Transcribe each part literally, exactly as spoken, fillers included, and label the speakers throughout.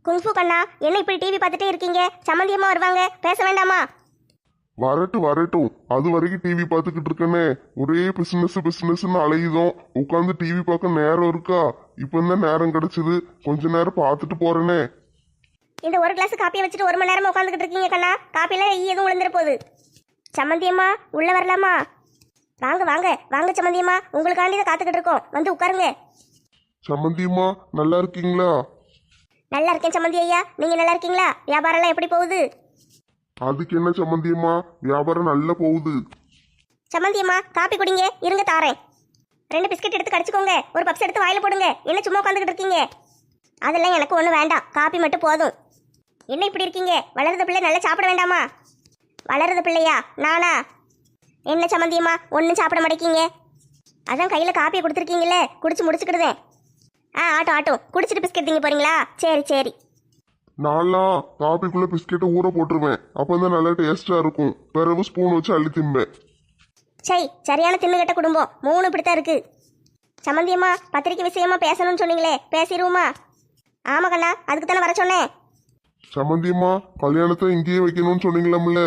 Speaker 1: Kung fu கண்ணா, என்ன இப்படி TV பார்த்துட்டே இருக்கீங்க? சம்மந்தியம்மா வருவாங்க, பேச வேண்டாமா?
Speaker 2: வரட்டும் வரட்டும், அது வரைக்கும் டிவி பார்த்துக்கிட்டு இருக்கனே. ஒரே பிசினஸ் பிசினஸ்ன்னு அலையுதோம். உட்காந்து டிவி பார்க்க நேரம் இருக்கா? இப்போ தான் நேரம் கிடைச்சது, கொஞ்ச நேரம் பார்த்துட்டு போறேனே.
Speaker 1: இந்த ஒரு கிளாஸ் காப்பியை வச்சுட்டு ஒரு மணி நேரமா உட்காந்துக்கிட்டு இருக்கீங்க கண்ணா. காப்பியில ஈ எதுவும் விழுந்துற போகுது. சம்மந்தியம்மா உள்ள வரலாமா? வாங்க வாங்க வாங்க சம்மந்தியம்மா, உங்களுக்காண்டி தான் காத்துக்கிட்டு இருக்கோம், வந்து உட்காருங்க.
Speaker 2: சம்மந்தியம்மா நல்லா இருக்கீங்களா?
Speaker 1: நல்லா இருக்கேன் சம்மந்தி ஐயா, நீங்க நல்லா இருக்கீங்களா? வியாபாரம்லாம் எப்படி போகுது?
Speaker 2: அதுக்கு என்ன சம்மந்தியம்மா, வியாபாரம் நல்லா போகுது.
Speaker 1: சம்மந்தியம்மா காப்பி குடிங்க, இருங்க தாரேன். ரெண்டு பிஸ்கட் எடுத்து கடிச்சுக்கோங்க, ஒரு பப்ஸ் எடுத்து வாயில போடுங்க. என்ன சும்மா உட்காந்துக்கிட்டு இருக்கீங்க? அதெல்லாம் எனக்கு ஒன்றும் வேண்டாம், காப்பி மட்டும் போதும். என்ன இப்படி இருக்கீங்க? வளருத பிள்ளை நல்லா சாப்பிட வேண்டாமா? வளருத பிள்ளையா நானா? என்ன சம்மந்தியம்மா ஒன்றும் சாப்பிட மாட்டேங்கிங்க? அதான் கையில் காப்பியை கொடுத்துருக்கீங்களே, குடிச்சு முடிச்சுக்கிடுதேன். ஆ ஆட்டும் ஆட்டும், குடிச்சிட்டு பிஸ்கட் திங்க போறீங்களா? சரி சரி.
Speaker 2: நான்லாம் காப்பிக்குள்ள பிஸ்கெட்டை ஊற போட்டுருவேன், அப்பதான் நல்லா டேஸ்டா இருக்கும். பிறகு ஸ்பூன் வச்சு அள்ளி திம்பேன்.
Speaker 1: சரி, சரியான தின்னுகட்ட குடும்பம், மூணு இப்படித்தான் இருக்கு. சம்மந்தியம்மா பத்திரிக்கை விஷயமா பேசணும்னு சொன்னீங்களே, பேசிடுவோமா? ஆமா கண்ணா, அதுக்கு தானே வர சொன்னேன்.
Speaker 2: சம்மந்தியம்மா கல்யாணத்தை இங்கேயே வைக்கணும்னு சொன்னீங்களாம்ல?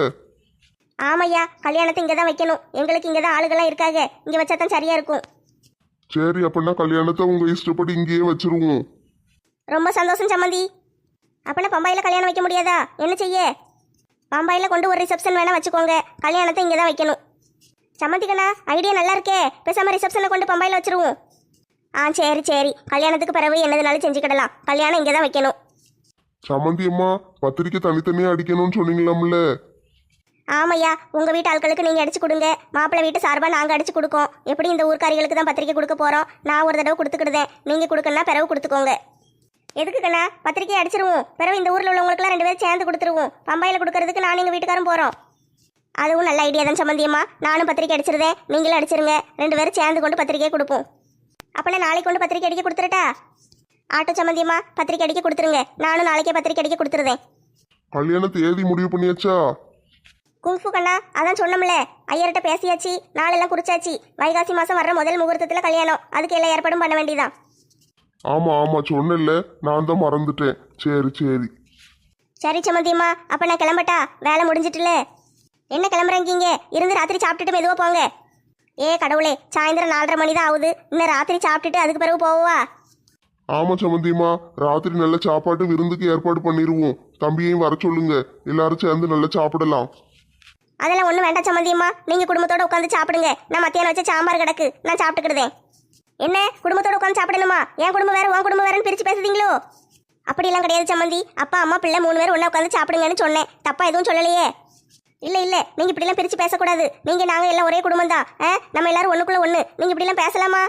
Speaker 1: ஆமையா, கல்யாணத்தை இங்கே தான் வைக்கணும். எங்களுக்கு இங்கே தான் ஆளுகள்லாம் இருக்காங்க, இங்கே வச்சா தான் சரியா இருக்கும்.
Speaker 2: சரி, அப்படின்னா கல்யாணத்தை உங்க இஷ்டப்படி இங்கேயே வச்சிருவோம்.
Speaker 1: ரொம்ப சந்தோஷம் சம்மந்தி. அப்படின்னா பம்பாயில் கல்யாணம் வைக்க முடியாதா? என்ன செய்ய? பம்பாயில் கொண்டு ஒரு ரிசப்ஷன் வேணா வச்சுக்கோங்க, கல்யாணத்தை இங்கே தான் வைக்கணும். சம்மந்தி கண்ணா, ஐடியா நல்லா இருக்கே, பேசாம ரிசப்ஷனை கொண்டு பம்பாயில் வச்சிருவோம். ஆ சரி சரி, கல்யாணத்துக்கு பிறகு என்னதுனாலும் செஞ்சுக்கிடலாம், கல்யாணம் இங்கே தான் வைக்கணும்.
Speaker 2: சம்மந்தியம்மா பத்திரிக்கை தனித்தனியா அடிக்கணும்னு சொன்னீங்களாம்ல?
Speaker 1: ஆமையா, உங்கள் வீட்டு ஆட்களுக்கு நீங்கள் அடிச்சு கொடுங்க, மாப்பிள்ளை வீட்டு சார்பாக நாங்கள் அடிச்சு கொடுக்கோம். எப்படி இந்த ஊர்க்காரிகளுக்கு தான் பத்திரிக்கை கொடுக்க போகிறோம், நான் ஒரு தடவை கொடுத்துக்கிடுதேன், நீங்கள் கொடுக்கணும்னா பிறகு கொடுத்துக்கோங்க. எதுக்கு கண்ணா? பத்திரிக்கை அடிச்சிருவோம், பிறகு இந்த ஊரில் உள்ளவங்களுக்குலாம் ரெண்டு பேரும் சேர்ந்து கொடுத்துருவோம். பம்பாயில் கொடுக்கறதுக்கு நான் எங்கள் வீட்டுக்காரும் போகிறோம். அதுவும் நல்ல ஐடியா தான் சம்மந்தியம்மா, நானும் பத்திரிக்கை அடிச்சிருந்தேன், நீங்களும் அடிச்சிருங்க, ரெண்டு பேரும் சேர்ந்து கொண்டு பத்திரிக்கையை கொடுப்போம். அப்போனா நாளைக்கு கொண்டு பத்திரிக்கை அடிக்க கொடுத்துருட்டா? ஆட்டோ சம்மந்தியம்மா பத்திரிக்கை அடிக்க கொடுத்துருங்க, நானும் நாளைக்கே பத்திரிக்கை அடிக்க கொடுத்துருதேன்.
Speaker 2: கல்யாண தேதி முடிவு பண்ணியாச்சா?
Speaker 1: குங்ஃபு கண்ணா, அதான் சொன்னோம்ல, ஐயர்கிட்ட பேசியாச்சு, நாளெல்லாம் குறிச்சாச்சு. வைகாசி மாதம் வர்ற முதல் முகூர்த்தத்தில் கல்யாணம், அதுக்கு எல்லா ஏற்பாடும் பண்ண வேண்டியதான்.
Speaker 2: ஆமா ஆமா சொன்னல, நான் தான் மறந்துட்டேன். சரி சரி.
Speaker 1: சரி சம்மந்தியம்மா, அப்போ நான் கிளம்பட்டா? வேலை முடிஞ்சிட்டுல. என்ன கிளம்புறீங்க? இருந்து ராத்திரி சாப்பிட்டுட்டு மெதுவாக போங்க. ஏ கடவுளே, சாயந்தரம் நாலரை மணி தான் ஆகுது, இன்னும் ராத்திரி சாப்பிட்டுட்டு அதுக்கு பிறகு போவா?
Speaker 2: ஆமா சம்மந்தியம்மா, ராத்திரி நல்ல சாப்பாட்டு விருந்துக்கு ஏற்பாடு பண்ணிடுவோம். தம்பியையும் வர சொல்லுங்க, எல்லாரும் சேர்ந்து நல்லா சாப்பிடலாம்.
Speaker 1: அதெல்லாம் ஒன்றும் வேண்டாம் சம்மந்தியம்மா, நீங்கள் குடும்பத்தோடு உட்காந்து சாப்பிடுங்க. நான் மத்தியானம் வச்ச சாம்பார் கிடக்கு, நான் சாப்பிட்டுக்கிடுதேன். என்ன குடும்பத்தோடு உட்காந்து சாப்பிடணுமா? என் குடும்பம் வேறு உன் குடும்பம் வேறுன்னு பிரித்து பேசுதீங்களோ? அப்படிலாம் கிடையாது சம்மந்தி, அப்பா அம்மா பிள்ளை மூணு பேர் ஒன்றா உட்காந்து சாப்பிடுங்கன்னு சொன்னேன், தப்பா எதுவும் சொல்லலையே. இல்லை இல்லை, நீங்கள் இப்படிலாம் பிரித்து பேசக்கூடாது. நீங்கள் நாங்கள் எல்லாம் ஒரே குடும்பம் தான், ஆ நம்ம எல்லாரும் ஒன்றுக்குள்ளே ஒன்று. நீங்கள் இப்படிலாம் பேசலாமா?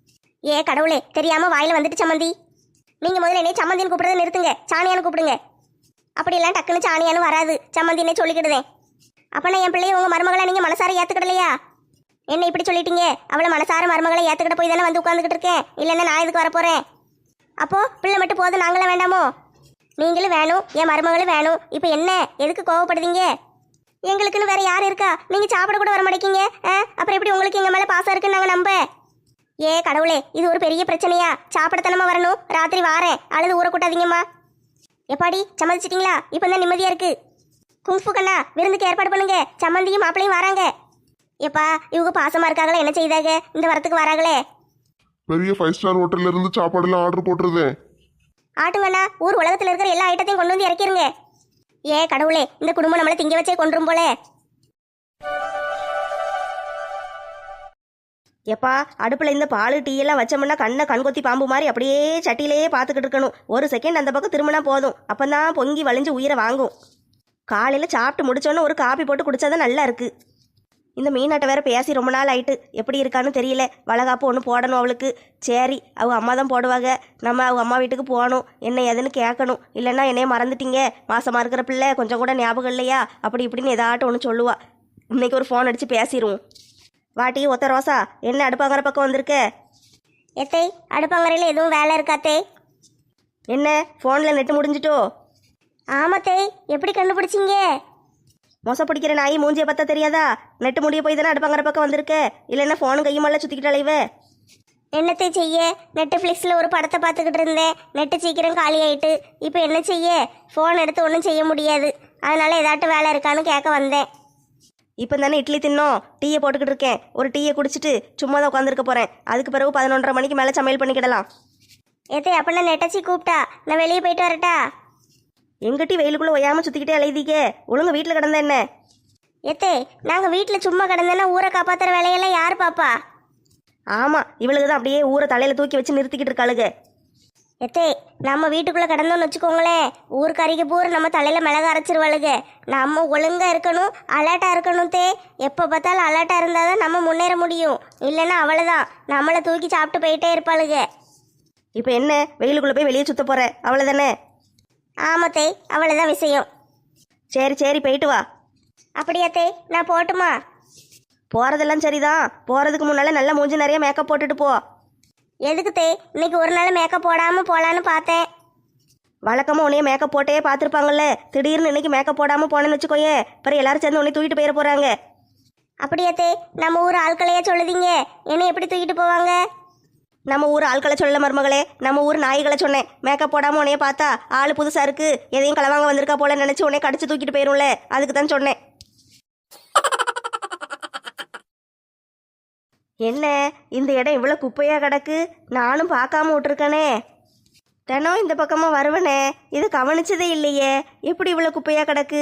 Speaker 1: ஏ கடவுளே, தெரியாமல் வாயில் வந்துட்டு சம்மந்தி. நீங்கள் முதல்ல என்னை சம்மந்தின்னு கூப்பிடுறதை நிறுத்துங்க, சாணியான்னு கூப்பிடுங்க. அப்படியெல்லாம் டக்குன்னு சாணியான்னு வராது, சம்மந்தின்னே சொல்லிக்கிடுதேன். அப்போனா என் பிள்ளைய உங்கள் மருமகளை நீங்கள் மனசார ஏற்றுக்கிடலையா? என்ன இப்படி சொல்லிட்டீங்க? அவளை மனசார மருமகளை ஏற்றுக்கிட்ட போய் தானே வந்து உட்காந்துக்கிட்டு இருக்கேன், இல்லைன்னா நான் இதுக்கு வரப்போகிறேன். அப்போது பிள்ளை மட்டும் போதும், நாங்களும் வேண்டாமோ? நீங்களும் வேணும், என் மருமகளும் வேணும். இப்போ என்ன, எதுக்கு கோவப்படுதீங்க? எங்களுக்குன்னு வேற யார் இருக்கா? நீங்கள் சாப்பிட கூட வர மாட்டேங்கிங்க, ஆ அப்புறம் எப்படி உங்களுக்கு எங்கள் மேலே பாசம் இருக்குன்னு நாங்கள் நம்ப? ஏ கடவுளே, இது ஒரு பெரிய பிரச்சனையா? சாப்பிடத்தனமா வரணும், ராத்திரி வாரேன், அழுது ஊற கூட்டாதீங்கம்மா. எப்பாடி சம்மதிச்சிட்டிங்களா? இப்போ தான் நிம்மதியாக இருக்கு. குங்ஃபு கண்ணா, விருந்துக்கு ஏற்பாடு பண்ணுங்க, சம்மந்தியும் மாப்பிளையும் வராங்க. எப்பா இவங்க பாசமா இருக்காங்களே, என்ன செய்தாங்க இந்த வரத்துக்கு வராங்களே?
Speaker 2: பெரிய ஃபைவ் ஸ்டார் ஹோட்டல்ல இருந்து சாப்பாடுலாம் ஆர்டர் போட்டுருதேன்.
Speaker 1: ஆட்டுங்கண்ணா, ஊர் உலகத்தில் இருக்கிற எல்லா ஐட்டத்தையும் கொண்டு வந்து இறக்கிருங்க. ஏ கடவுளே, இந்த குடும்பம் நம்மளை திங்க வச்சே கொன்றும் போல.
Speaker 3: எப்பா அடுப்பில் இந்த பால் டீ எல்லாம் வச்சோம்னா கண்ணை கண்கொத்தி பாம்பு மாதிரி அப்படியே சட்டியிலேயே பார்த்துக்கிட்டு இருக்கணும். ஒரு செகண்ட் அந்த பக்கம் திரும்பினா போதும், அப்போ தான் பொங்கி வலிஞ்சு உயிரை வாங்கும். காலையில் சாப்பிட்டு முடிச்சோன்னே ஒரு காப்பி போட்டு குடித்தாதான் நல்லா இருக்குது. இந்த மீனாட்டை வேற பேசி ரொம்ப நாள் ஆயிட்டு, எப்படி இருக்கான்னு தெரியல. வளகாப்பு ஒன்று போடணும் அவளுக்கு. சரி, அவங்க அம்மா தான் போடுவாங்க, நம்ம அவங்க அம்மா வீட்டுக்கு போகணும், என்ன ஏதுன்னு கேட்கணும். இல்லைன்னா என்னைய மறந்துட்டீங்க, மாசமாக இருக்கிற பிள்ளை கொஞ்சம் கூட ஞாபகம் இல்லையா, அப்படி இப்படின்னு ஏதாட்டும் ஒன்று சொல்லுவா. இன்னைக்கு ஒரு ஃபோன் அடித்து பேசிடுவோம். வாட்டி ஒத்த ரோசா, என்ன அடுப்பாங்கிற பக்கம் வந்திருக்க?
Speaker 1: எத்தை அடுப்பங்கரையில் எதுவும் வேலை இருக்காத்தே?
Speaker 3: என்ன ஃபோனில் நெட்டு முடிஞ்சிட்டோ?
Speaker 1: ஆமாத்தே, எப்படி கண்டுபிடிச்சிங்க?
Speaker 3: மொச பிடிக்கிற நாய் மூஞ்சியை பார்த்தா தெரியாதா? நெட்டு முடிய போய் தானே அடுப்பாங்கிற பக்கம் வந்திருக்க, இல்லைன்னா ஃபோனு கையுமெல்லாம் சுற்றிக்கிட்டாலே இவ.
Speaker 1: என்னத்தை செய்ய நெட்ஃப்ளிக்ஸில் ஒரு படத்தை பார்த்துக்கிட்டு இருந்தேன். நெட்டு சீக்கிரம் காலி ஆயிட்டு. இப்போ என்ன செய்ய? ஃபோன் எடுத்து ஒன்றும் செய்ய முடியாது. அதனால ஏதாட்டும் வேலை இருக்கான்னு கேட்க வந்தேன்.
Speaker 3: இப்போ தானே இட்லி தின்னோம், டீயை போட்டுக்கிட்டு இருக்கேன். ஒரு டீயை குடிச்சிட்டு சும்மா தான் உட்காந்துருக்க போகிறேன். அதுக்கு பிறகு பதினொன்றரை மணிக்கு மேலே சமையல் பண்ணிக்கிடலாம்.
Speaker 1: ஏத்தே அப்படின்னா நெட்டச்சி கூப்பிட்டா நான் வெளியே போயிட்டு வரட்டா?
Speaker 3: எங்கிட்டி வெயிலுக்குள்ளே ஒய்யாமல் சுற்றிக்கிட்டே அலைதீங்க. ஒழுங்கு வீட்டில் கிடந்த என்ன?
Speaker 1: ஏத்தே நாங்கள் வீட்டில் சும்மா கிடந்தேன்னா ஊரை காப்பாற்றுற வேலையெல்லாம் யார் பாப்பா?
Speaker 3: ஆமாம், இவளுக்கு தான் அப்படியே ஊரை தலையில் தூக்கி வச்சு நிறுத்திக்கிட்டு இருக்காளுங்க.
Speaker 1: எத்தே நம்ம வீட்டுக்குள்ளே கிடந்தோன்னு வச்சுக்கோங்களேன், ஊருக்கறிக்கு பூரா நம்ம தலையில் மிளகா அரைச்சிருவாளுங்க. நம்ம ஒழுங்காக இருக்கணும், அலர்ட்டாக இருக்கணும். தே எப்போ பார்த்தாலும் அலர்ட்டாக இருந்தால் தான் நம்ம முன்னேற முடியும். இல்லைன்னா அவ்வளோதான், நம்மளை தூக்கி சாப்பிட்டு போயிட்டே இருப்பாளுங்க.
Speaker 3: இப்போ என்ன, வெயிலுக்குள்ளே போய் வெளியே சுற்ற போகிற அவ்வளோதானே?
Speaker 1: ஆமாத்தே, அவ்வளோதான் விஷயம்.
Speaker 3: சரி சரி, போயிட்டு வா.
Speaker 1: அப்படியாத்தே, நான் போட்டுமா?
Speaker 3: போகிறதெல்லாம் சரிதான். போகிறதுக்கு முன்னால் நல்லா மூஞ்சி நிறைய மேக்கப் போட்டுட்டு போ.
Speaker 1: எதுக்கு தே? இன்னைக்கு ஒரு நாள் மேக்கப் போடாமல் போகலான்னு பார்த்தேன்.
Speaker 3: வழக்கமாக உன்னைய மேக்கப் போட்டே பார்த்துருப்பாங்கல்ல, திடீர்னு இன்னைக்கு மேக்கப் போடாமல் போனேன்னு வச்சுக்கோயே, அப்புறம் எல்லாரும் சேர்ந்து உன்னை தூக்கிட்டு போயிட போகிறாங்க.
Speaker 1: அப்படியாத்தே, நம்ம ஊர் ஆட்களையா சொல்லுதீங்க, என்னை எப்படி தூக்கிட்டு போவாங்க?
Speaker 3: நம்ம ஊர் ஆட்களை சொல்ல மருமகளே, நம்ம ஊர் நாய்களை சொன்னேன். மேக்கப் போடாமல் உன்னைய பார்த்தா ஆள் புதுசாக இருக்கு, எதையும் களவாங்க வந்திருக்கா போல நினச்சி உன்னை கடிச்சு தூக்கிட்டு போயிரும்ல, அதுக்கு தான் சொன்னேன். என்ன இந்த இடம் இவ்வளோ குப்பையாக கிடக்கு, நானும் பார்க்காம விட்டுருக்கனே. தினம் இந்த பக்கமாக வருவனே, இது கவனிச்சதே இல்லையே, எப்படி இவ்வளோ குப்பையாக கிடக்கு?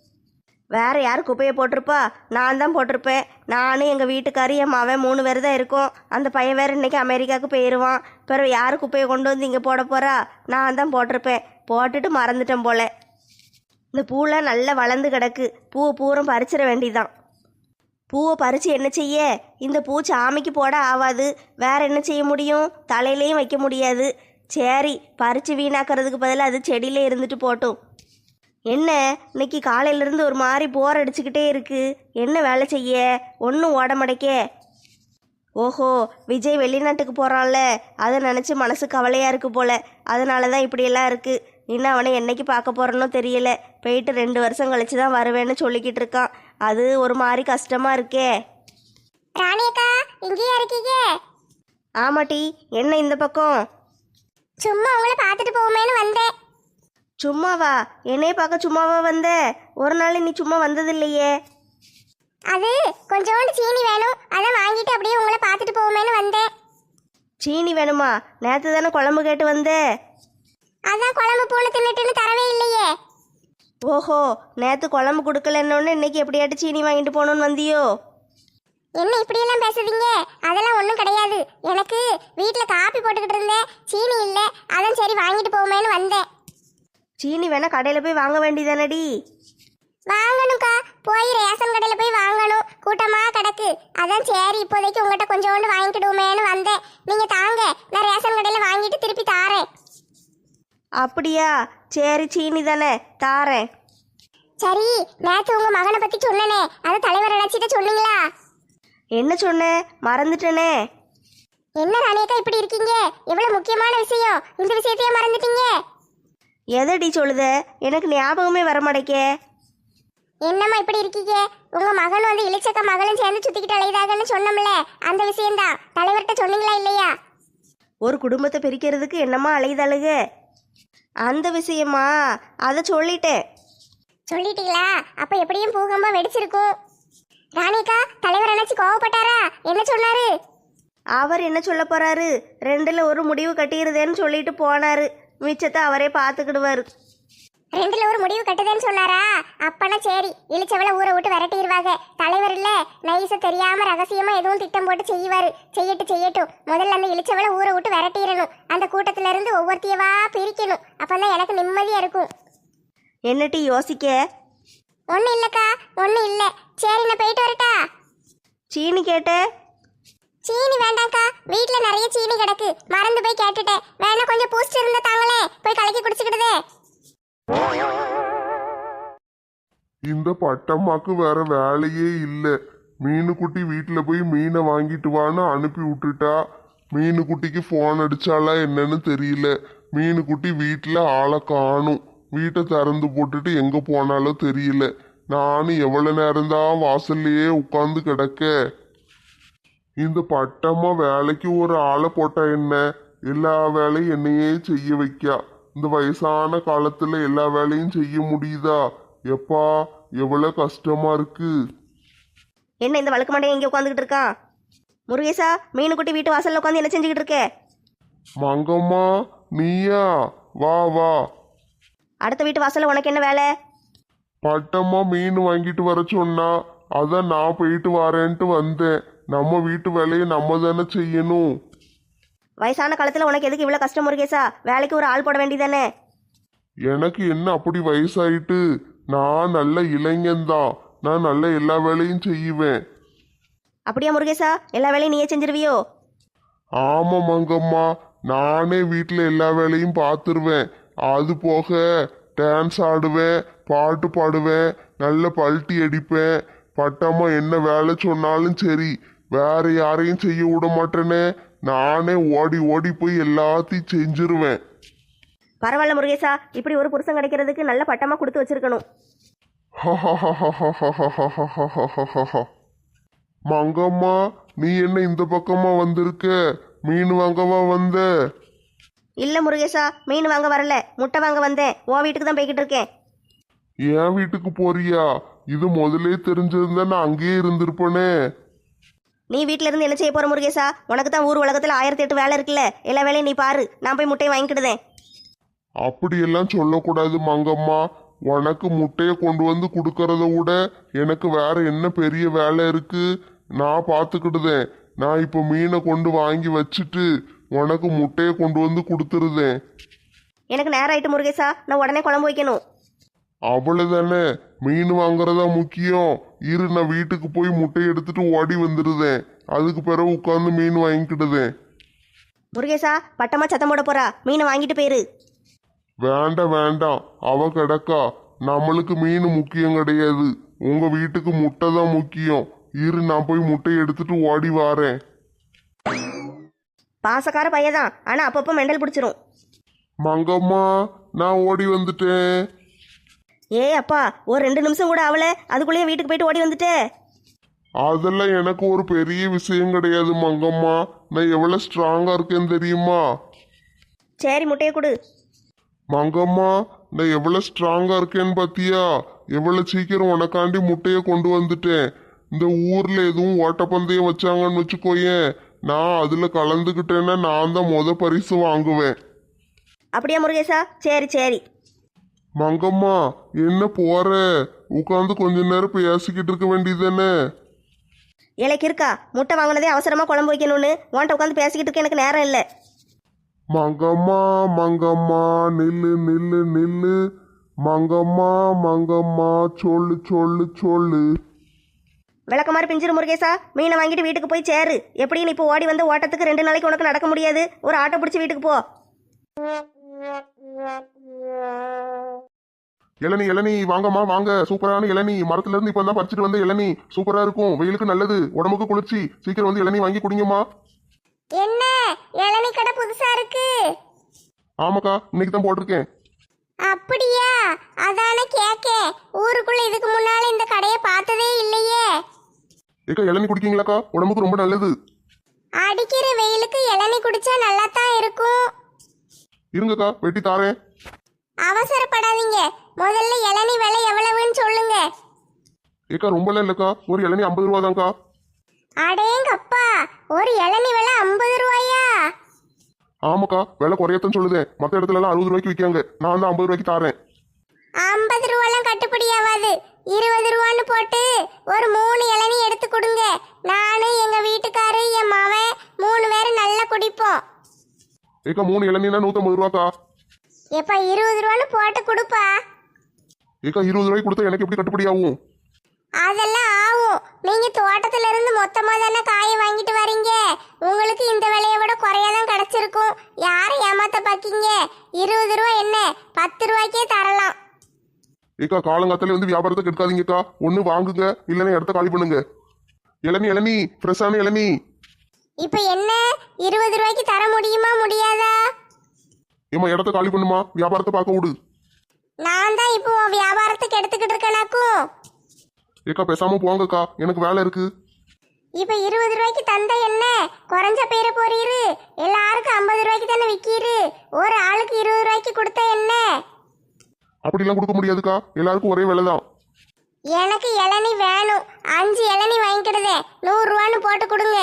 Speaker 3: வேற யார் குப்பையை போட்டிருப்பா? நான் தான் போட்டிருப்பேன். நானும் எங்கள் வீட்டுக்காரி என் மவன் மூணு பேர் தான் இருக்கோம். அந்த பையன் வேறு இன்னைக்கு அமெரிக்காவுக்கு போயிடுவான். பிறகு யார் குப்பையை கொண்டு வந்து இங்கே போட போகிறா? நான் தான் போட்டிருப்பேன். போட்டுட்டு மறந்துட்டேன் போல. இந்த பூலாம் நல்லா வளர்ந்து கிடக்கு, பூவை பூரம் பறிச்சிட வேண்டிதான். பூவை பறித்து என்ன செய்ய? இந்த பூ சாமிக்கு போட ஆகாது, வேற என்ன செய்ய முடியும்? தலையிலையும் வைக்க முடியாது. சரி, பறித்து வீணாக்கிறதுக்கு பதிலாக அது செடியிலே இருந்துட்டு போட்டும். என்ன இன்னைக்கு காலையிலேருந்து ஒரு மாதிரி போர் அடிச்சுக்கிட்டே இருக்கு, என்ன வேலை செய்ய? ஒன்றும் ஓட மடைக்கே. ஓஹோ, விஜய் வெளிநாட்டுக்கு போகிறான்ல, அதை நினச்சி மனசு கவலையாக இருக்கு போல, அதனால தான் இப்படியெல்லாம் இருக்குது. இன்னும் அவனை என்னைக்கு பார்க்க போகிறனோ தெரியல. போயிட்டு ரெண்டு வருஷம் கழிச்சு தான் வருவேன்னு சொல்லிக்கிட்டு இருக்கான். அது ஒரு மாதிரி கஷ்டமாக இருக்கே.
Speaker 1: ராணியக்கா, இங்கேயா இருக்கீங்க?
Speaker 3: ஆமாட்டி, என்ன இந்த பக்கம்?
Speaker 1: சும்மா உங்களை பார்த்துட்டு போவோமேனு வந்தேன்.
Speaker 3: சும்மாவா? என்னைய பார்க்க சும்மாவா வந்த? ஒரு நாள் நீ சும்மா வந்தது இல்லையே.
Speaker 1: அது கொஞ்சோண்டு சீனி வேணும், அதான் வாங்கிட்டு அப்படியே உங்களை பார்த்துட்டு போவோமேனு வந்தேன்.
Speaker 3: சீனி வேணுமா? நேற்று தானே குழம்பு கேட்டு வந்த.
Speaker 1: அதான் குழம்பு பூனை தின்னுட்டுன்னு தரவே இல்லையே.
Speaker 3: ஓஹோ, நேற்று குழம்பு கொடுக்கலன்னொன்னு இன்னைக்கு எப்படியாட்டு சீனி வாங்கிட்டு போகணுன்னு வந்தியோ?
Speaker 1: என்ன இப்படியெல்லாம் பேசுறீங்க? அதெல்லாம் ஒன்றும் கிடையாது. எனக்கு வீட்டில் காப்பி போட்டுக்கிட்டு இருந்தேன், சீனி இல்லை, அதான் சரி வாங்கிட்டு போவோமேனு வந்தேன்.
Speaker 3: சீனி வேணா கடையில் போய் வாங்க வேண்டியதானடி?
Speaker 1: வாங்கணும்க்கா, போய் ரேஷன் கடையில் போய் வாங்கணும், கூட்டமாக கிடக்கு. அதான் சரி இப்போதைக்கு உங்கள்கிட்ட கொஞ்சோண்டு வாங்கிக்கிடுவோமேனு வந்தேன். நீங்கள் தாங்க, நான் ரேஷன் கடையில் வாங்கிட்டு திருப்பி தாரேன்.
Speaker 3: அப்படியா? சரி, சீனி தானே, தாரேன்.
Speaker 1: சரி, நேற்று உங்கள் மகனை பற்றி சொன்னனே, அதை தலைவர் அழைச்சிட்டு சொன்னீங்களா?
Speaker 3: என்ன சொன்னேன்? மறந்துட்டேனே.
Speaker 1: என்ன ராணியக்கா இப்படி இருக்கீங்க? எவ்வளோ முக்கியமான விஷயம், இந்த விஷயத்தையே மறந்துட்டீங்க.
Speaker 3: எதடி சொல்லுத? எனக்கு ஞாபகமே வரமாட்டேக்கே.
Speaker 1: என்னம்மா இப்படி இருக்கீங்க? உங்க மகன் வந்து இளிச்சக்க மகளும் சேர்ந்து சுத்திக்கிட்டு அலையுதாகன்னு சொன்னோம்ல, அந்த விஷயம்தான். தலைவர்கிட்ட சொன்னீங்களா இல்லையா?
Speaker 3: ஒரு குடும்பத்தை பிரிக்கிறதுக்கு என்னம்மா அலையுதாளுக? அந்த விஷயமா? அதை சொல்லிட்டேன்.
Speaker 1: சொல்லிட்டீங்களா? அப்ப எப்படியும் பூகம்பம் வெடிச்சிருக்கும். ராணிக்கா, தலைவர் அணைச்சி கோவப்பட்டாரா? என்ன சொன்னாரு?
Speaker 3: அவர் என்ன சொல்ல போறாரு? ரெண்டுல ஒரு முடிவு கட்டிடுதேன்னு சொல்லிட்டு போனாரு. மிச்சத்தை அவரே பார்த்துக்கிடுவாரு.
Speaker 1: ரெண்டுல ஒரு முடிவு கட்டுதேன்னு சொன்னாரா? அப்பனா சரி, இளிச்சவளை ஊரை விட்டு விரட்டிடுவாங்க. தலைவர் இல்ல, நைஸா தெரியாம ரகசியமா எதுவும் திட்டம் போட்டு செய்வாரு. செய்யட்டு செய்யட்டும், முதல்ல அந்த இளிச்சவளை ஊரை விட்டு விரட்டிடணும். அந்த கூட்டத்துல இருந்து ஒவ்வொருத்தையவா பிரிக்கணும். அப்பதான் எனக்கு நிம்மதியா இருக்கும்.
Speaker 3: என்னட்டி யோசிக்க?
Speaker 1: ஒண்ணு இல்லக்கா, ஒண்ணு இல்ல. சரி, நான் போயிட்டு வரட்டா?
Speaker 3: சீனி கேட்ட?
Speaker 1: சீனி வேண்டாம்க்கா, வீட்டுல நிறைய சீனி கிடக்கு, மறந்து போய் கேட்டுட்டேன். வேணா கொஞ்சம் பூஸ்ட் இருந்தா தாங்களே, போய் கலக்கி குடிச்சுக்கிடுதே.
Speaker 2: இந்த பட்டம்மாக்கு வேற வேலையே இல்ல. மீனுக்குட்டி வீட்டுல போய் மீனை வாங்கிட்டு வான்னு அனுப்பி விட்டுட்டா. மீனுக்குட்டிக்கு போன் அடிச்சாலா என்னன்னு தெரியல. மீனுக்குட்டி வீட்டுல ஆளை காணும். வீட்டை திறந்து போட்டுட்டு எங்க போனாலோ தெரியல. நானும் எவ்வளவு நேரம்தான் வாசல்லையே உட்கார்ந்து கிடக்க. இந்த பட்டம்மா வேலைக்கு ஒரு ஆளை போட்டா என்ன, எல்லா வேலையும் என்னையே செய்ய வைக்கா. இந்த வயசான காலத்துல எல்லா வேலையும் செய்ய முடியுதா? எப்பா எவ்வளவு கஷ்டமா இருக்கு.
Speaker 3: என்ன இந்த வழக்கு மண்டையை இங்கே உட்காந்துக்கிட்டு இருக்கான்? முருகேசா, மீனுக்குட்டி வீட்டு வாசல்ல உட்காந்து என்ன செஞ்சுக்கிட்டு இருக்க?
Speaker 2: மங்கம்மா நீயா? வா வா.
Speaker 3: அடுத்த வீட்டு வாசல்ல உனக்கு என்ன வேலை?
Speaker 2: பட்டம்மா மீன் வாங்கிட்டு வர சொன்னா, அதான் நான் போயிட்டு வரேன்ட்டு வந்தேன். நம்ம வீட்டு வேலையை நம்ம தானே செய்யணும்.
Speaker 3: வயசான காலத்துல உனக்கு எதுக்கு இவ்வளவு கஷ்டம் முருகேசா? வேலைக்கு ஒரு ஆள் போட வேண்டியதானே?
Speaker 2: எனக்கு என்ன அப்படி வயசாயிட்டு? நான் நல்ல இளைஞன்தான். நான் நல்ல எல்லா வேலையும் செய்வேன்.
Speaker 3: அப்படியா முருகேசா? எல்லா வேலையும் நீயே செஞ்சிருவியோ?
Speaker 2: ஆமா மங்கம்மா, நானே வீட்டில் எல்லா வேலையும் பார்த்துருவேன். அது போக டான்ஸ் ஆடுவேன், பாட்டு பாடுவேன், நல்ல பல்ட்டி அடிப்பேன். பட்டம்மா என்ன வேலை சொன்னாலும் சரி, வேற யாரையும் செய்ய விட மாட்டேனே. நானே ஓடி ஓடி போய் எல்லாத்தையும் செஞ்சிருவேன்.
Speaker 3: பரவாயில்ல முருகேசா, இப்படி ஒரு புருஷன் கிடைக்கிறதுக்கு நல்ல பட்டமா கொடுத்து வச்சிருக்கணும்.
Speaker 2: மங்கம்மா நீ என்ன இந்த பக்கமா வந்திருக்க? மீன் வாங்கவா வந்த?
Speaker 3: இல்ல முருகேசா, மீன் வாங்க வரல, முட்டை வாங்க வந்தேன். உன் வீட்டுக்கு தான் போய்கிட்டு இருக்கேன்.
Speaker 2: என் வீட்டுக்கு போறியா? இது முதலே தெரிஞ்சிருந்தா நான் அங்கேயே இருந்திருப்பேனே.
Speaker 3: நீ வீட்ல இருந்து என்ன செய்ய போற முருகேசா? உனக்கு தான் ஊர் உலகத்துல ஆயிரத்தி எட்டு வேலை இருக்குல்ல, எல்லா வேலையும் நீ பாரு. நான் போய் முட்டையை வாங்கிக்கிடுதேன்.
Speaker 2: அப்படியெல்லாம் சொல்லக்கூடாது மங்கம்மா. உனக்கு முட்டையை கொண்டு வந்து கொடுக்கறத விட எனக்கு வேற என்ன பெரிய வேலை இருக்கு? நான் பார்த்துக்கிடுதேன். நான் இப்போ மீனை கொண்டு வாங்கி வச்சுட்டு உனக்கு முட்டையை கொண்டு வந்து கொடுத்துருதேன்.
Speaker 3: எனக்கு நேரம் ஆயிட்டு முருகேசா, நான் உடனே குழம்பு வைக்கணும்.
Speaker 2: அவ்வளவுதானே, மீன் வாங்குறதா முக்கியம். இரு, நான் வீட்டுக்கு போய் முட்டையை எடுத்துட்டு ஓடி வந்துடுதேன். அதுக்கு பிறகு உட்காந்து மீன் வாங்கிக்கிடுதேன்.
Speaker 3: முருகேசா, பட்டமா சத்தம் போட போறா, மீனை வாங்கிட்டு போயிரு.
Speaker 2: வேண்டாம் வேண்டாம், அவ கிடக்கா. நம்மளுக்கு மீன் முக்கியம் கிடையாது, உங்க வீட்டுக்கு முட்டை தான் முக்கியம். இரு, நான் போய் முட்டையை எடுத்துட்டு ஓடி வாரேன்.
Speaker 3: பாசக்கார பையதான், ஆனா அப்பப்போ மெண்டல் பிடிச்சிரும்.
Speaker 2: மங்கம்மா நான் ஓடி வந்துட்டேன்.
Speaker 3: ஏ அப்பா, ஒரு ரெண்டு நிமிஷம் கூட ஆகல, அதுக்குள்ளேயே வீட்டுக்கு போயிட்டு ஓடி வந்துட்டே.
Speaker 2: அதெல்லாம் எனக்கு ஒரு பெரிய விஷயம் கிடையாது மங்கம்மா. நான் எவ்வளவு ஸ்ட்ராங்கா இருக்கேன்னு தெரியுமா?
Speaker 3: சரி, முட்டையை கொடு.
Speaker 2: மங்கம்மா நான் எவ்வளவு ஸ்ட்ராங்கா இருக்கேன்னு பாத்தியா? எவ்வளவு சீக்கிரம் உனக்காண்டி முட்டையை கொண்டு வந்துட்டேன். இந்த ஊர்ல எதுவும் ஓட்டப்பந்தயம் வச்சாங்கன்னு வச்சுக்கோயேன், நான் அதுல கலந்துக்கிட்டேன்னா நான் தான் முத பரிசு வாங்குவேன்.
Speaker 3: அப்படியா முருகேசா? சரி சரி.
Speaker 2: மங்கம்மா என்ன போற? உட்காந்து கொஞ்ச நேரம் பேசிக்கிட்டு இருக்க வேண்டியதானே?
Speaker 3: இலைக்கு இருக்கா, முட்டை வாங்கினதே அவசரமா குழம்பு வைக்கணும்னு உன்கிட்ட உட்காந்து பேசிக்கிட்டு இருக்க எனக்கு நேரம் இல்லை.
Speaker 2: மங்கம்மா மங்கம்மா நில்லு நில்லு நில்லு. மங்கம்மா மங்கம்மா சொல்லு சொல்லு சொல்லு.
Speaker 3: விளக்க மாதிரி பிஞ்சிரு முருகேசா, மீனை வாங்கிட்டு வீட்டுக்கு போய் சேரு. எப்படி நீ இப்போ ஓடி வந்து ஓட்டத்துக்கு ரெண்டு நாளைக்கு உனக்கு நடக்க முடியாது. ஒரு ஆட்டோ பிடிச்சி வீட்டுக்கு போ.
Speaker 2: இளநீ இளநீ வாங்கம்மா வாங்க. சூப்பரான இளநீ, மரத்துல இருந்து இப்ப தான் பறிச்சுட்டு வந்த இளநீ. சூப்பரா இருக்கும், வெயிலுக்கு நல்லது, உடம்புக்கு குளிர்ச்சி. சீக்கிரம் வந்து இளநீ வாங்கி குடிங்கம்மா.
Speaker 1: என்ன இளநீ கடை புதுசா இருக்கு?
Speaker 2: ஆமாக்கா, இன்னைக்கு தான் போட்டிருக்கேன்.
Speaker 1: அப்படியா? அதானே கேக்கேன். ஊருக்குள்ள இதுக்கு முன்னால இந்த கடையை பார்த்ததே இல்லையே.
Speaker 2: ஏக்கா இளநீ குடிக்கீங்களாக்கா? உடம்புக்கு ரொம்ப நல்லது.
Speaker 1: அடிக்கிற வெயிலுக்கு இளநீ குடிச்சா நல்லா தான் இருக்கும்.
Speaker 2: இருங்கக்கா, வெட்டி தாரேன்.
Speaker 1: அவசரப்படாதீங்க, முதல்ல இளநீ விலை எவ்வளவுன்னு சொல்லுங்க.
Speaker 2: ஏக்கா ரொம்பலாம் இல்லக்கா, ஒரு இளநீ ஐம்பது ரூபா தான்க்கா.
Speaker 1: அடேங்கப்பா, ஒரு இளநீ விலை ஐம்பது ரூபாயா?
Speaker 2: ஆமாக்கா, விலை குறையத்தான் சொல்லுதேன். மற்ற இடத்துல எல்லாம் அறுபது ரூபாய்க்கு விற்காங்க, நான் தான் ஐம்பது ரூபாய்க்கு தாரேன்.
Speaker 1: ஐம்பது ரூபாலாம் கட்டுப்படி ஆகாது. இருபது ரூபான்னு போட்டு ஒரு மூணு இளநீ எடுத்து கொடுங்க. நானு எங்க வீட்டுக்காரு என் மவன் மூணு பேரும் நல்லா குடிப்போம்.
Speaker 2: ஏக்கா மூணு இளநீனா நூத்தம்பது ரூபாக்கா.
Speaker 1: எப்ப இருபது ரூபான்னு போட்டு கொடுப்பா.
Speaker 2: ஏக்கா இருபது ரூபாய்க்கு கொடுத்தா எனக்கு எப்படி கட்டுப்படி ஆகும்?
Speaker 1: அதெல்லாம் ஆகும். நீங்க தோட்டத்துல இருந்து மொத்தமா தானே காயை வாங்கிட்டு வரீங்க. உங்களுக்கு இந்த விலையை விட குறையாதான் கிடைச்சிருக்கும். யாரை ஏமாத்த பாக்கீங்க? இருபது ரூபா என்ன, பத்து ரூபாய்க்கே தரலாம்.
Speaker 2: ஏக்கா காலங்காத்தாலே வந்து வியாபாரத்தை கெடுக்காதீங்கக்கா. ஒண்ணு வாங்குங்க, இல்லைன்னா இடத்த காலி பண்ணுங்க. இளநீ இளநீ ஃப்ரெஷ்ஷான இளநீ.
Speaker 1: இப்ப என்ன, இருபது ரூபாய்க்கு தர முடியுமா முடியாதா?
Speaker 2: ஏமா இடத்த காலி பண்ணுமா, வியாபாரத்தை பார்க்க விடு.
Speaker 1: நான் தான் இப்போ உன் வியாபாரத்துக்கு எடுத்துக்கிட்டு இருக்கேனாக்கும்.
Speaker 2: ஏக்கா பேசாம போங்கக்கா, எனக்கு வேலை இருக்கு.
Speaker 1: இப்ப இருபது ரூபாய்க்கு தந்த என்ன குறைஞ்ச பேர போறீரு? எல்லாருக்கும் ஐம்பது ரூபாய்க்கு தானே விக்கீரு. ஒரு ஆளுக்கு இருபது ரூபாய்க்கு கொடுத்த என்ன?
Speaker 2: அப்படிலாம் கொடுக்க முடியாதுக்கா, எல்லாருக்கும் ஒரே விலை தான்.
Speaker 1: எனக்கு இளநி வேணும். அஞ்சு இளநி வாங்கிக்கிடுதே, நூறு ரூபான்னு போட்டு கொடுங்க.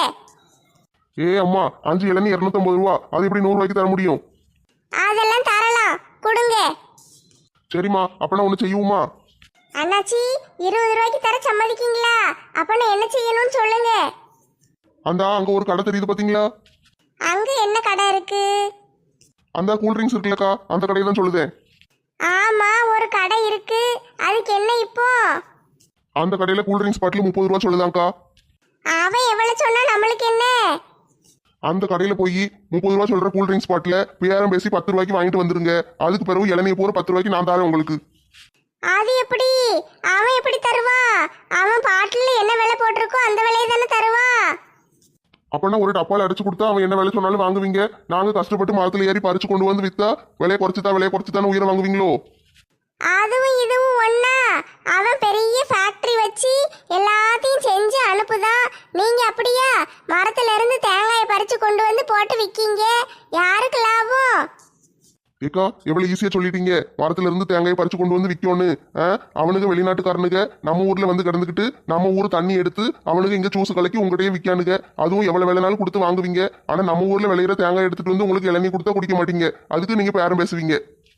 Speaker 2: ஏ அம்மா, அஞ்சு இளநீ இரநூத்தம்பது ரூபா, அது எப்படி நூறு ரூபாய்க்கு தர முடியும்?
Speaker 1: அதெல்லாம் தரலாம், கொடுங்க.
Speaker 2: சரிம்மா, அப்பனா ஒன்று செய்யுமா?
Speaker 1: அண்ணாச்சி, இருபது ரூபாய்க்கு தர சம்மதிக்கீங்களா? அப்ப நான் என்ன செய்யணும்னு சொல்லுங்க.
Speaker 2: அந்த அங்க ஒரு கடை தெரியுது பாத்தீங்களா?
Speaker 1: அங்க என்ன கடை இருக்கு?
Speaker 2: அந்த கூல் ட்ரிங்க்ஸ் இருக்குல்லக்கா, அந்த கடையை தான் சொல்லுதேன்.
Speaker 1: ஆமா, ஒரு கடை இருக்கு. அதுக்கு என்ன இப்போ?
Speaker 2: அந்த கடையில கூல் ட்ரிங்க்ஸ் பாட்டில் முப்பது ரூபா சொல்லுதாங்க்கா.
Speaker 1: அவன் எவ்வளவு சொன்னா நம்மளுக்கு என்ன?
Speaker 2: அந்த கடையில போய் முப்பது ரூபா சொல்ற கூல் ட்ரிங்க்ஸ் பாட்டில பேரம் பேசி பத்து ரூபாய்க்கு வாங்கிட்டு வந்துருங்க. அதுக்கு பிறகு இளநீ போற பத்து ரூபாய்க்கு நான் தரேன் உங்களுக்கு.
Speaker 1: அது எப்படி? அவன் எப்படி தருவா? அவன் பாட்டில் என்ன விலை போட்டிருக்கோ அந்த விலையை தானே தருவா.
Speaker 2: அப்பனா ஒரு டப்பால அடிச்சு கொடுத்தா அவன் என்ன விலை சொன்னாலும் வாங்குவீங்க. நாங்க கஷ்டப்பட்டு மரத்துல ஏறி பறிச்சு கொண்டு வந்து வித்தா விலையை குறைச்சுதான் விலையை குறைச்சுதானே உயிரை வாங்குவீங்களோ?
Speaker 1: அதுவும் இதுவும் ஒண்ணா? அவன் பெரிய ஃபேக்டரி வச்சு எல்லாத்தையும் செஞ்சு அனுப்புதான். நீங்க அப்படியா மரத்துல இருந்து தேங்காயை பறிச்சு கொண்டு வந்து போட்டு விக்கீங்க? யாருக்கு லாபம்?
Speaker 2: ஏக்கா, எவ்வளவு ஈஸியா சொல்லிட்டீங்க. மரத்துல இருந்து தேங்காயை பறிச்சு கொண்டு வந்து விற்கணும்னு. அவனுக்கு வெளிநாட்டுக்காரனுங்க நம்ம ஊர்ல வந்து கிடந்துக்கிட்டு நம்ம ஊர் தண்ணி எடுத்து அவனுக்கு இங்க ஜூஸ் கலக்கி உங்கள்கிட்டயே விற்கானுங்க. அதுவும் எவ்வளவு விலைனாலும் கொடுத்து வாங்குவீங்க. ஆனா நம்ம ஊர்ல விளையிற தேங்காய் எடுத்துட்டு வந்து உங்களுக்கு இளநீ கொடுத்தா குடிக்க மாட்டீங்க. அதுக்கு நீங்க பேரம் பேசுவீங்க.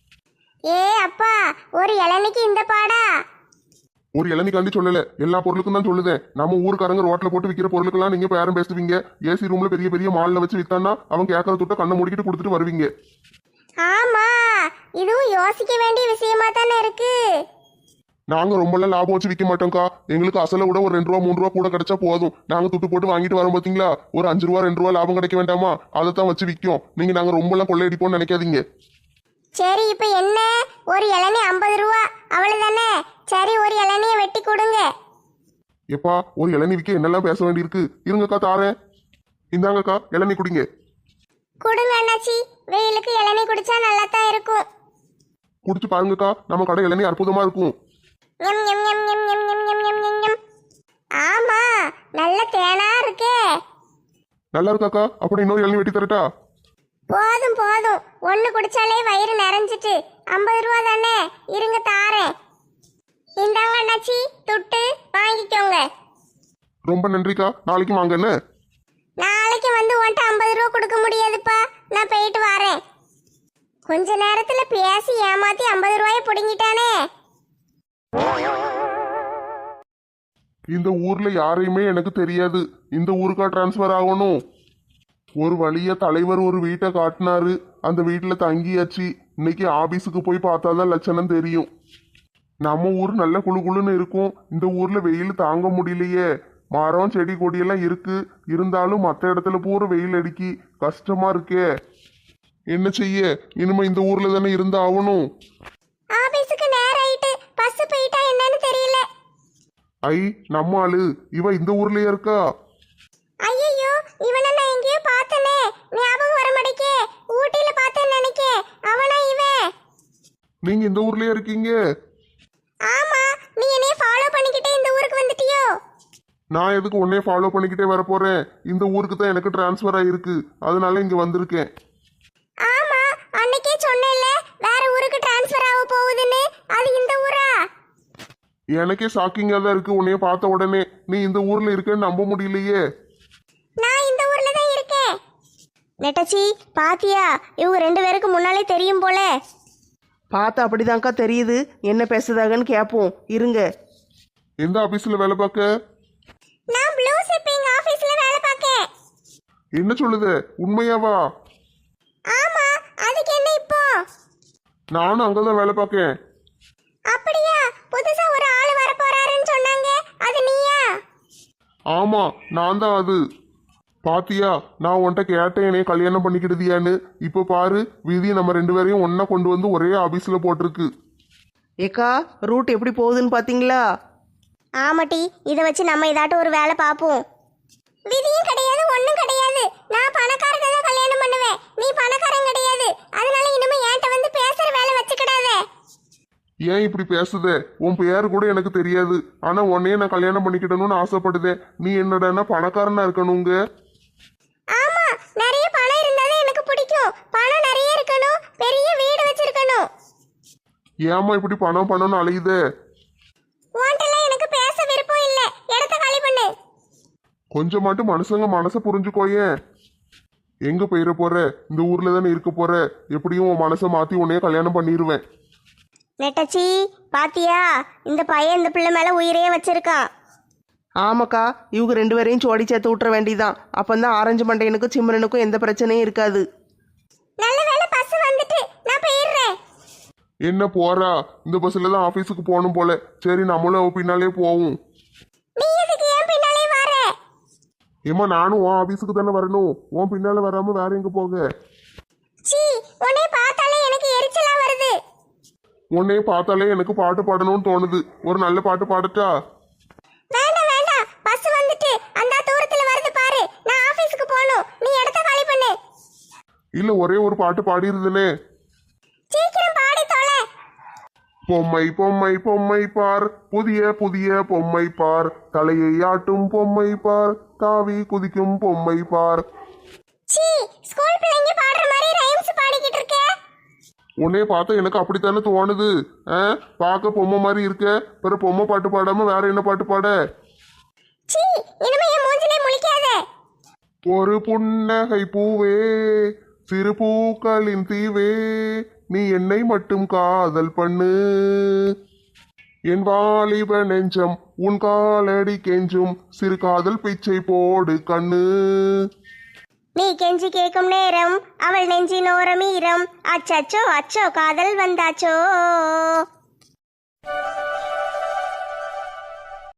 Speaker 1: ஏ அப்பா, ஒரு இளநிக்கு இந்த பாடா?
Speaker 2: ஒரு இளநிக்காண்டி சொல்லல, எல்லா பொருளுக்கும் தான் சொல்லுதேன். நம்ம ஊருக்காரங்க ரோட்ல போட்டு விற்கிற பொருளுக்கெல்லாம் நீங்க பேரம் பேசுவீங்க. ஏசி ரூம்ல பெரிய பெரிய மால்ல வச்சு வித்தான்னா அவன் கேட்கற துட்ட கண்ணை மூடிக்கிட்டு கொடுத்துட்டு வருவீங்க.
Speaker 1: ஆமா, இதுவும் யோசிக்க வேண்டிய விஷயமா தானே இருக்கு.
Speaker 2: நாங்க ரொம்பலாம் லாபம் வச்சு விற்க மாட்டோம்க்கா. எங்களுக்கு அசலை விட ஒரு ரெண்டு ரூபா மூணு ரூபா கூட கிடைச்சா போதும். நாங்க துட்டு போட்டு வாங்கிட்டு வரோம் பாத்தீங்களா, ஒரு அஞ்சு ரூபா ரெண்டு ரூபா லாபம் கிடைக்க வேண்டாமா? அதை தான் வச்சு விற்கும். நீங்க நாங்க ரொம்பலாம் கொள்ளையடிப்போம்னு நினைக்காதீங்க.
Speaker 1: சரி, இப்ப என்ன? ஒரு இளநீ ஐம்பது ரூபா அவ்வளவுதானே? சரி, ஒரு இளநியை வெட்டி கொடுங்க.
Speaker 2: எப்பா, ஒரு இளநீ விற்க என்னெல்லாம் பேச வேண்டியிருக்கு. இருங்கக்கா, தாரேன். இந்தாங்கக்கா, இளநீ குடிங்க.
Speaker 1: கொடுங்க அண்ணாச்சி, வெயிலுக்கு இளநீ குடிச்சா நல்லா தான் இருக்கும்.
Speaker 2: குடிச்சு பாருங்கக்கா, நம்ம கடை இளநீ அற்புதமா இருக்கும்.
Speaker 1: ஞம், ஞம், ஞம், ஞம், ஞம், ஞம், ஞம், ஞம், ஞம், ஞம். ஆமா, நல்ல தேனா இருக்கே.
Speaker 2: நல்லா இருக்காக்கா? அப்படி இன்னொரு இளநீ வெட்டி தரட்டா?
Speaker 1: போதும் போதும், ஒண்ணு குடிச்சாலே வயிறு நிறைஞ்சிட்டு. ஐம்பது ரூபா தானே, இருங்க தாரேன். இந்தாங்க அண்ணாச்சி, துட்டு வாங்கிக்கோங்க.
Speaker 2: ரொம்ப நன்றிக்கா, நாளைக்கு வாங்க என்ன?
Speaker 1: நாளைக்கு வந்து உன்ட்ட ஐம்பது ரூபா கொடுக்க முடியாதுப்பா, நான் போயிட்டு வரேன். கொஞ்ச நேரத்துல பேசி ஏமாத்தி ஐம்பது ரூபாய புடுங்கிட்டானே.
Speaker 2: இந்த ஊர்ல யாரையுமே எனக்கு தெரியாது. இந்த ஊருக்கா டிரான்ஸ்ஃபர் ஆகணும்? ஒரு வழியா தலைவர் ஒரு வீட்டை காட்டினாரு. அந்த வீட்டுல தங்கியாச்சு. இன்னைக்கு ஆபீஸுக்கு போய் பார்த்தாதான் லட்சணம் தெரியும். நம்ம ஊர் நல்ல குளு குளுன்னு இருக்கும். இந்த ஊர்ல வெயில் தாங்க முடியலையே. மரம் செடி கொடியெல்லாம் இருக்கு, இருந்தாலும் மற்ற இடத்துல பூரா வெயில் அடிக்கி கஷ்டமா இருக்கே. என்ன செய்ய? இனிமே இந்த ஊர்ல தானே இருந்து ஆகணும்.
Speaker 1: ஆபீஸுக்கு நேரம் ஆயிட்டு, பஸ் போயிட்டா என்னன்னு தெரியல.
Speaker 2: ஐ, நம்ம ஆளு இவ இந்த ஊர்லயே இருக்கா?
Speaker 1: ஐயோ, இவனை நான் எங்கேயோ பார்த்தனே, ஞாபகம் வர மாட்டேக்கே. ஊட்டியில பார்த்தேன்னு நினைக்கே. அவனா இவன்?
Speaker 2: நீங்க இந்த ஊர்லயே இருக்கீங்க?
Speaker 1: ஆமா, நீ என்னைய ஃபாலோ பண்ணிக்கிட்டே இந்த ஊருக்கு வந்துட்டியோ?
Speaker 2: நான் எதுக்கு உன்னைய ஃபாலோ பண்ணிக்கிட்டே வர போறேன்? இந்த ஊருக்கு தான் எனக்கு டிரான்ஸ்ஃபர் ஆயிருக்கு, அதனால இங்க வந்திருக்கேன்.
Speaker 1: ஆமா, அன்னைக்கே சொன்னேன்ல வேற ஊருக்கு டிரான்ஸ்ஃபர் ஆக போகுதுன்னு. அது இந்த ஊரா?
Speaker 2: எனக்கே ஷாக்கிங்கா தான் இருக்கு உன்னைய பார்த்த உடனே. நீ இந்த ஊர்ல இருக்கேன்னு நம்ப முடியலையே.
Speaker 1: நான் இந்த ஊர்ல தான் இருக்கேன். நெட்டச்சி, பாத்தியா? இவங்க ரெண்டு பேருக்கு முன்னாலே தெரியும் போல.
Speaker 3: பார்த்தா அப்படிதான்க்கா தெரியுது. என்ன பேசுதாகன்னு கேட்போம், இருங்க.
Speaker 2: எந்த ஆபீஸ்ல வேலை பார்க்க?
Speaker 1: நான் ப்ளூ ஷிப்பிங் ஆபீஸ்ல வேலை பார்க்கேன்.
Speaker 2: என்ன சொல்லுது, உண்மையாவா?
Speaker 1: ஆமா, அதுக்கு என்ன இப்போ?
Speaker 2: நானும் அங்கதான் வேலை பார்க்கேன்.
Speaker 1: அப்படியா? புதுசா ஒரு ஆள் வர போறாருன்னு சொன்னாங்க, அது நீயா?
Speaker 2: ஆமா, நான் தான் அது. பாத்தியா, நான் உன்கிட்ட கேட்டேன் என்னைய கல்யாணம் பண்ணிக்கிடுதியான்னு. இப்ப பாரு, விதி நம்ம ரெண்டு பேரையும் ஒன்னா கொண்டு வந்து ஒரே ஆபீஸ்ல போட்டிருக்கு.
Speaker 3: ஏக்கா, ரூட் எப்படி போகுதுன்னு பாத்தீங்களா?
Speaker 1: ஆமாட்டி, இதை வச்சு நம்ம இதாட்டும் ஒரு வேலை பார்ப்போம். விதியும் கிடையாது, ஒன்றும் கிடையாது. நான் பணக்காரனை தான் கல்யாணம் பண்ணுவேன். நீ பணக்காரன் கிடையாது. அதனால இனிமே என்கிட்ட வந்து பேசுற வேலை வச்சுக்கிடாத.
Speaker 2: ஏன் இப்படி பேசுதே? உன் பேர் கூட எனக்கு தெரியாது. ஆனா உன்னையே நான் கல்யாணம் பண்ணிக்கிடணும்னு ஆசைப்படுதேன். நீ என்னடான்னா பணக்காரனா இருக்கணுங்க.
Speaker 1: ஆமா, நிறைய பணம் இருந்தாலே எனக்கு பிடிக்கும். பணம் நிறைய இருக்கணும், பெரிய வீடு வச்சிருக்கணும்.
Speaker 2: ஏமா இப்படி பணம் பணம்னு அலையுதே?
Speaker 1: உன்கிட்டலாம் எனக்கு பேச விருப்பம் இல்ல. இடத்த காலி பண்ணு.
Speaker 2: கொஞ்சமாட்டு மனுஷங்க மனசை புரிஞ்சுக்கோயேன். எங்க போயிட போற? இந்த ஊர்ல தானே இருக்க போற. எப்படியும் உன் மனசை மாத்தி உன்னைய கல்யாணம் பண்ணிடுவேன்.
Speaker 1: நெட்டச்சி, பாத்தியா? இந்த பையன் இந்த பிள்ளை மேல உயிரையே வச்சிருக்கான்.
Speaker 3: ஆமாக்கா, இவங்க ரெண்டு பேரையும் சோடி சேர்த்து விட்டுற வேண்டியதான். அப்பந்தான் ஆரஞ்சு மண்டையனுக்கும் சிம்ரனுக்கும் எந்த பிரச்சனையும் இருக்காது.
Speaker 1: நல்ல வேளை பஸ் வந்துட்டு, நான் போயிடுறேன்.
Speaker 2: என்ன போறா? இந்த பஸ்ல தான் ஆபீஸுக்கு போகணும் போல. சரி, நம்மளும் அவ பின்னாலே போவோம்.
Speaker 1: நீ எதுக்கு ஏன் பின்னாலே வர?
Speaker 2: ஏமா நானும் உன் ஆபீஸுக்கு தானே வரணும். உன் பின்னால வராம வேற எங்க போக?
Speaker 1: சீ, உன்னை பார்த்தாலே எனக்கு எரிச்சலா வருது.
Speaker 2: உன்னைய பார்த்தாலே எனக்கு பாட்டு பாடணும்னு தோணுது. ஒரு நல்ல பாட்டு பாடட்டா?
Speaker 1: வேண்டாம் வேண்டாம், பஸ் வந்துட்டு அந்த தூரத்துல வருது பாரு. நான் ஆபீஸ்க்கு போகணும். நீ இடத்த காலி பண்ணு.
Speaker 2: இல்ல ஒரே ஒரு பாட்டு பாடிருதுனே.
Speaker 1: சீக்கிரம் பாடி தொலை.
Speaker 2: பொம்மை பொம்மை பொம்மை பார், புதிய புதிய பொம்மை பார், தலையை ஆட்டும் பொம்மை பார், தாவி குதிக்கும் பொம்மை பார்.
Speaker 1: சீ, ஸ்கூல் பிள்ளைங்க பாடுற மாதிரி ரைம்ஸ் பாடிக்கிட்டு இருக்க.
Speaker 2: உன்னைய பார்த்தா எனக்கு அப்படித்தானே தோணுது. ஆ, பார்க்க பொம்மை மாதிரி இருக்க. பிற பொம்மை பாட்டு பாடாம வேற என்ன பாட்டு பாட?
Speaker 1: சீ, இனிமே என் மூஞ்சிலே முழிக்காத.
Speaker 2: ஒரு புன்னகை பூவே, சிறு பூக்களின் தீவே, நீ என்னை மட்டும் காதல் பண்ணு. என் வாலிப நெஞ்சம் உன் காலடி கெஞ்சும், சிறு காதல் பிச்சை போடு கண்ணு.
Speaker 1: நீ கெஞ்சி கேட்கும் நேரம் அவள் நெஞ்சின் ஓரம் ஈரம். அச்சச்சோ அச்சோ காதல் வந்தாச்சோ.